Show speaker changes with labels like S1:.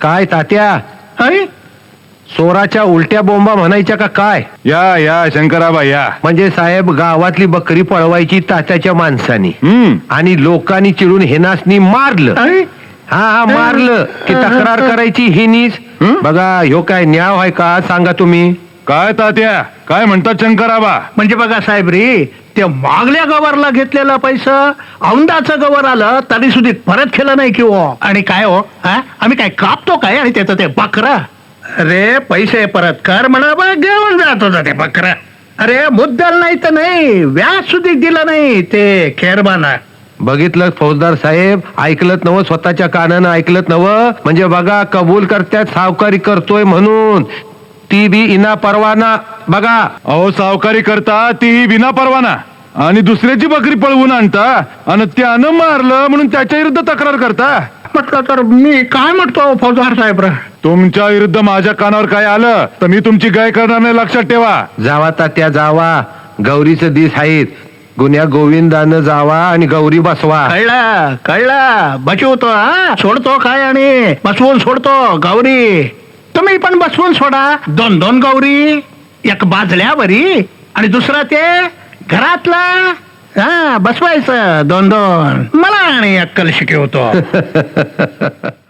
S1: काय तात्या,
S2: अरे
S1: चोराच्या उलट्या बोंबा म्हणायच्या का काय?
S3: या या शंकराबा या.
S1: म्हणजे साहेब, गावातली बकरी पळवायची तात्याच्या माणसानी आणि लोकांनी चिडून हेनासनी मारलं.
S2: अरे
S1: हा मारलं की तक्रार करायची हिनीच. बघा ह्यो काय न्याय आहे का सांगा तुम्ही?
S3: काय तात्या, काय म्हणतात शंकराबा?
S2: म्हणजे बघा साहेब रे, त्या मागल्या गवारला घेतलेला पैसा औंदाचं गवर आलं तरी सुद्धा परत केलं नाही की हो. आणि काय हो, आम्ही काय कापतो काय आणि त्याचं ते बकरा? अरे पैसे परत कर म्हणा, बा घेऊन जात होता ते बकरा. अरे मुद्दल नाही तर नाही, व्याज सुद्धा दिलं नाही ते खेरबाना.
S1: बघितलं फौजदार साहेब, ऐकलत नव, स्वतःच्या कानानं ऐकलत नव. म्हणजे बघा, कबूल करत्यात सावकारी करतोय म्हणून, ती बी इना परवाना. बघा
S3: अहो, सावकारी करता ती विना परवाना आणि दुसऱ्याची बकरी पळवून आणता आणि त्यानं मारलं म्हणून त्याच्या विरुद्ध तक्रार करता.
S2: म्हटलं तर मी काय म्हणतो फौजदार साहेब?
S3: तुमच्या विरुद्ध माझ्या कानावर काय आलं तर मी तुमची गाय करणार नाही, लक्षात ठेवा.
S1: जावा तात्या जावा, गौरीचं दिस आहेत. गुन्ह्या गोविंदानं जावा आणि गौरी बसवा.
S2: कळला कळला, बचवतो हा, सोडतो काय आणि बसवून सोडतो गौरी. तुम्ही पण बसवून सोडा 2-2 गौरी, एक बाजल्यावरी आणि दुसरा ते घरातला. हा बसवायचं 2-2. मला आणि अक्कल शिकवतो.